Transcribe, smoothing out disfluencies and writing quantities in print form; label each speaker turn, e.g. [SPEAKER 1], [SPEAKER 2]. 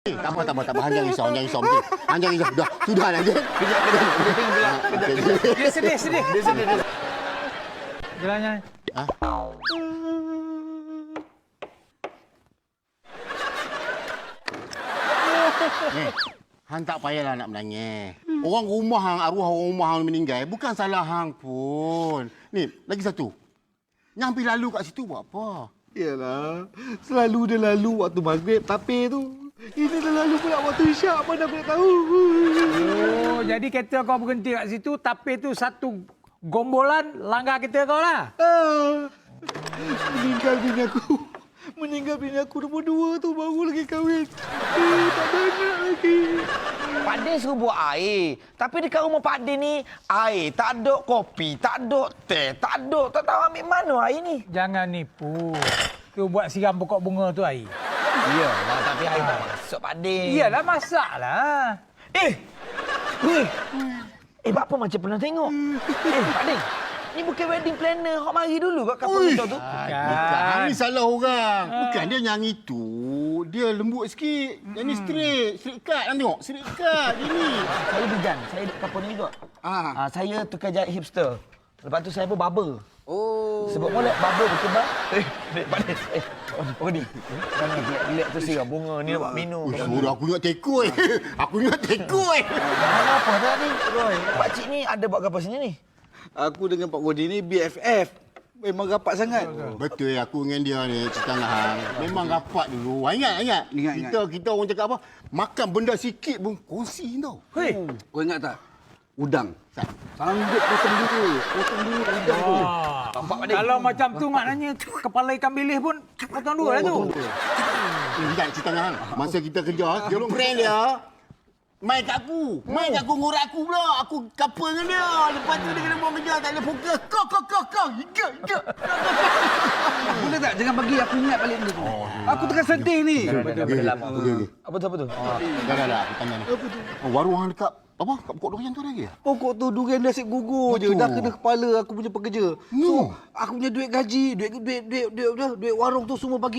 [SPEAKER 1] Tak apa. Hang jangan risau. Hang jangan risau. Sudah dah.
[SPEAKER 2] Dia sedih. Jalan.
[SPEAKER 1] Hang tak payahlah nak menangis. Orang rumah hang, arwah orang rumah hang meninggal, bukan salah hang pun. Ni, lagi satu. Yang pergi lalu kat situ buat apa?
[SPEAKER 3] Yalah, selalu dia lalu waktu maghrib tapi tu. Ini dah lalu pula waktu isyak, mana aku nak tahu.
[SPEAKER 2] Oh, jadi kereta kau berhenti kat situ, tapi tu satu gombolan langgar kereta kau lah.
[SPEAKER 3] Meninggal bini aku nombor 2 tu baru lagi kahwin. Tak ada anak lagi.
[SPEAKER 4] Pak Din suruh buat air. Tapi dekat rumah Pak Din ni, air tak ada, kopi tak ada, teh tak ada. Tak tahu ambil mana air ni.
[SPEAKER 2] Jangan nipu. Tu buat siram pokok bunga tu air.
[SPEAKER 4] Iyalah, tapi air tak masuk Pak Din.
[SPEAKER 2] Iyalah, masaklah.
[SPEAKER 4] Apa macam pernah tengok? Pak Din, ni bukan wedding planner. Hok mari dulu kat kapal kita tu.
[SPEAKER 1] Bukan. Ni salah orang. Bukan dia yang itu. Dia lembut sikit. Yang ni straight cut. Hang tengok, straight cut dia ni.
[SPEAKER 4] Saya bigan. Saya duduk kapal ni juga. Saya tukar jahit hipster. Lepas tu saya pun barber. Sebab molek barber berkembang. Pak Din. Oh ni. Jangan relax tu siram bunga ni nak buat minum.
[SPEAKER 1] Suruh aku ingat tekoi.
[SPEAKER 4] Apa tadi? Pak Cik ni ada buat apa sini ni?
[SPEAKER 3] Aku dengan Pak Godi ni BFF. Memang rapat sangat.
[SPEAKER 1] Betul aku dengan dia ni cerita dengan hang. Memang rapat dulu. Ingat. Kita orang cakap apa? Makan benda sikit pun kongsi tau.
[SPEAKER 3] Kau ingat tak? Udang. Sanggup potong dulu udang tu.
[SPEAKER 2] Kalau macam tu maknanya kepala ikan bilis pun potong dua lah tu.
[SPEAKER 1] Ingat cerita dengan hang. Masa kita kerja, tolong friend dia. Main kat aku ngurat aku pula. Aku couple dengan dia. Lepas tu dia kena buang kerja. Tak boleh fokus. Kau. Higa.
[SPEAKER 3] Boleh tak? Jangan bagi aku ingat balik benda tu. Aku tengah sedih ni.
[SPEAKER 1] Okey.
[SPEAKER 4] Apa tu?
[SPEAKER 1] Dah. Aku tanya ni. Apa tu? Warung hang dekat apa? Kat pokok durian tu ada lagi?
[SPEAKER 3] Pokok tu durian dia asyik gugur je. Dah kena kepala aku punya pekerja. So, aku punya duit gaji, duit warung tu semua bagi